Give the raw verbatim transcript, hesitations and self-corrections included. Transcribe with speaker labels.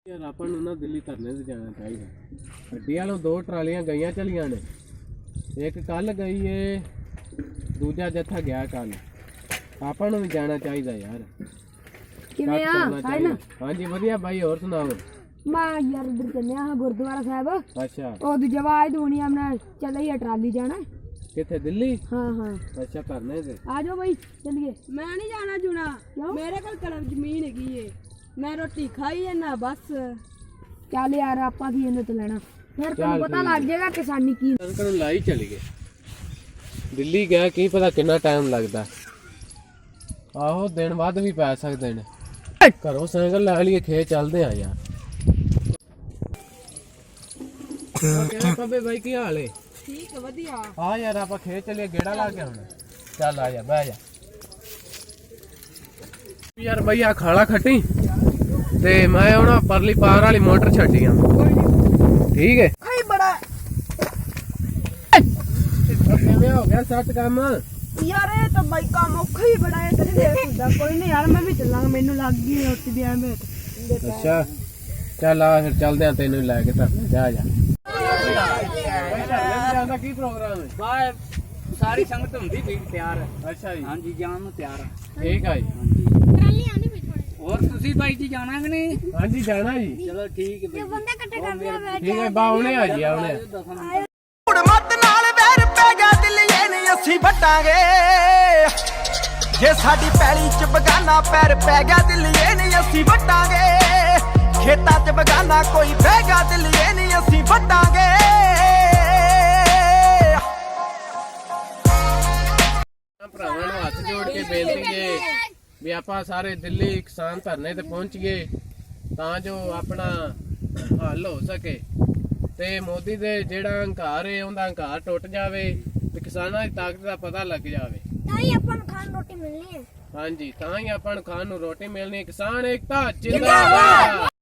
Speaker 1: ਯਾਰ ਆਪਾਂ ਨੂੰ ਨਾ ਦਿੱਲੀ ਧਰਨੇ ਤੇ ਜਾਣਾ ਚਾਹੀਦਾ। ਗੱਡੀ ਵਾਲੋਂ ਦੋ ਟਰਾਲੀਆਂ ਗਈਆਂ ਚਲੀਆਂ ਨੇ, ਇੱਕ ਕੱਲ ਗਈ ਏ, ਦੂਜਾ ਜੱਥਾ ਗਿਆ ਕੱਲ। ਆਪਾਂ ਨੂੰ ਵੀ ਜਾਣਾ ਚਾਹੀਦਾ ਯਾਰ।
Speaker 2: ਕਿਵੇਂ ਆ
Speaker 1: ਚਾਹੀਦਾ। ਹਾਂਜੀ ਵਧੀਆ ਬਾਈ, ਹੋਰ ਸੁਣਾਓ?
Speaker 2: ਮੈਂ ਯਾਰ ਉਧਰ ਚੱਲਿਆ ਹਾਂ ਗੁਰਦੁਆਰਾ ਸਾਹਿਬ।
Speaker 1: ਅੱਛਾ,
Speaker 2: ਉਹ ਦੂਜੇ ਆਵਾਜ਼ ਦੂਣੀ ਆਪਣਾ ਚੱਲੇ ਟਰਾਲੀ ਜਾਣਾ।
Speaker 1: ਕਿੱਥੇ? ਦਿੱਲੀ?
Speaker 2: ਹਾਂ ਹਾਂ।
Speaker 1: ਅੱਛਾ, ਧਰਨੇ ਤੇ
Speaker 2: ਆ ਜਾਓ ਬਾਈ ਚੱਲੀਏ।
Speaker 3: मैं नहीं जाना जुना, मेरे को कलम जमीन है, मैं रोटी खाई है ना बस।
Speaker 2: ਚੱਲ ਯਾਰ ਆਪਾਂ ਕੀ ਇਹਨੂੰ ਤੇ ਲੈਣਾ, ਫਿਰ ਤੈਨੂੰ ਪਤਾ ਲੱਗ ਜਾਏਗਾ ਕਿਸਾਨੀ ਕੀ।
Speaker 1: ਕਣਕ ਨੂੰ ਲਾਈ ਚਲੀ ਗਏ। ਦਿੱਲੀ ਗਿਆ ਕੀ ਪਤਾ ਕਿੰਨਾ ਟਾਈਮ ਲੱਗਦਾ। ਆਹੋ ਦਿਨ ਵੱਧ ਵੀ ਪੈ ਸਕਦੇ ਨੇ। ਘਰੋਂ ਸਾਈਕਲ ਲੈ ਲਈਏ, ਖੇਤ ਚੱਲਦੇ ਆ ਯਾਰ। ਕਿਵੇਂ ਪੱਬੇ ਬਾਈ, ਕੀ ਹਾਲ ਏ?
Speaker 3: ठीक है वधिया।
Speaker 1: ਆ ਯਾਰ ਆਪਾਂ ਖੇਤ ਚੱਲੀਏ, ਗੇੜਾ ਲਾ ਕੇ ਆਉਣਾ। ਚੱਲ ਆ ਜਾ, ਬਹਿ ਜਾ ਯਾਰ। ਬਈ ਆ ਖਾਲਾ ਖੱਟੀ ਤੇ ਮੈਂ ਹੁਣ ਪਰਲੀ ਪਾਰ ਵਾਲੀ ਮੋਟਰ ਛੱਡੀ ਆ। ਠੀਕ ਹੈ।
Speaker 2: ਖਾਈ ਬੜਾ
Speaker 1: ਕਿਵੇਂ ਹੋ ਗਿਆ ਸੱਟ ਕੰਮ?
Speaker 2: ਯਾਰ ਇਹ ਤਾਂ ਬਾਈ ਕੰਮ ਔਖਾ ਹੀ ਬੜਾ ਹੈ। ਤੇਰੇ ਦੇਖ ਹੁੰਦਾ ਕੋਈ ਨਹੀਂ ਯਾਰ, ਮੈਂ ਵੀ ਚੱਲਾਂਗਾ, ਮੈਨੂੰ ਲੱਗ ਗਈ ਰੋਟੀ ਦੀ ਐਵੇਂ।
Speaker 1: ਅੱਛਾ ਚੱਲ ਆ ਫਿਰ ਚੱਲਦੇ ਆ, ਤੈਨੂੰ ਲੈ ਕੇ ਤਾਂ ਜਾ ਜਾ। ਕੀ ਪ੍ਰੋਗਰਾਮ ਹੈ?
Speaker 4: ਬਾਹਰ ਸਾਰੀ ਸੰਗਤ ਹੁੰਦੀ ਠੀਕ ਤਿਆਰ।
Speaker 1: ਅੱਛਾ ਜੀ,
Speaker 4: ਹਾਂਜੀ ਜਾਣ ਨੂੰ ਤਿਆਰ ਆ।
Speaker 1: ਠੀਕ ਆ ਜੀ।
Speaker 4: ਹੋਰ ਤੁਸੀਂ ਬਾਈ ਜੀ ਜਾਣਾ ਕਿ ਨਹੀਂ?
Speaker 1: ਹਾਂਜੀ ਜਾਣਾ ਜੀ।
Speaker 4: ਚਲੋ ਠੀਕ ਹੈ
Speaker 2: ਬੰਦਾ ਇਕੱਠੇ ਕਰਦੇ
Speaker 1: ਠੀਕ ਹੈ, ਬਾ ਆਉਣੇ ਆ ਜੀ, ਆਉਣੇ ਆ।
Speaker 5: ਮੱਤ ਨਾਲ ਵੈਰ ਪੈ ਗਿਆ ਦਿੱਲੀਏ ਨੇ ਅਸੀਂ ਵੱਟਾਂਗੇ, ਜੇ ਸਾਡੀ ਪੈਲੀ ਚ ਬਗਾਨਾ ਪੈਰ ਪੈ ਗਿਆ ਦਿੱਲੀਏ ਨੇ ਅਸੀਂ ਵੱਟਾਂਗੇ, ਖੇਤਾਂ ਚ ਬਗਾਨਾ ਕੋਈ ਬਹਿ ਗਿਆ ਦਿੱਲੀਏ ਨੇ ਅਸੀਂ ਵੱਟਾਂਗੇ।
Speaker 1: ਭਰਾਵਾਂ ਨੂੰ ਹੱਥ ਜੋੜ ਕੇ ਬੇਨਤੀ ਹੈ ਵੀ ਆਪਾਂ ਸਾਰੇ ਦਿੱਲੀ ਕਿਸਾਨ ਧਰਨੇ ਤੇ ਪਹੁੰਚੀਏ ਤਾਂ ਜੋ ਆਪਣਾ ਹੱਲ ਹੋ ਸਕੇ ਤੇ ਮੋਦੀ ਦੇ ਜਿਹੜਾ ਹੰਕਾਰ ਹੈ ਉਹਦਾ ਹੰਕਾਰ ਟੁੱਟ ਜਾਵੇ ਤੇ ਕਿਸਾਨਾਂ ਦੀ ਤਾਕਤ ਦਾ ਪਤਾ ਲੱਗ ਜਾਵੇ।
Speaker 2: ਤਾਂ ਹੀ ਆਪਾਂ ਨੂੰ ਖਾਣ ਰੋਟੀ ਮਿਲਣੀ ਹੈ।
Speaker 1: ਹਾਂਜੀ, ਤਾਂ ਹੀ ਆਪਾਂ ਨੂੰ ਖਾਣ ਨੂੰ ਰੋਟੀ ਮਿਲਣੀ ਹੈ। ਕਿਸਾਨ ਏਕਤਾ ਜਿੰਦਾਬਾਦ।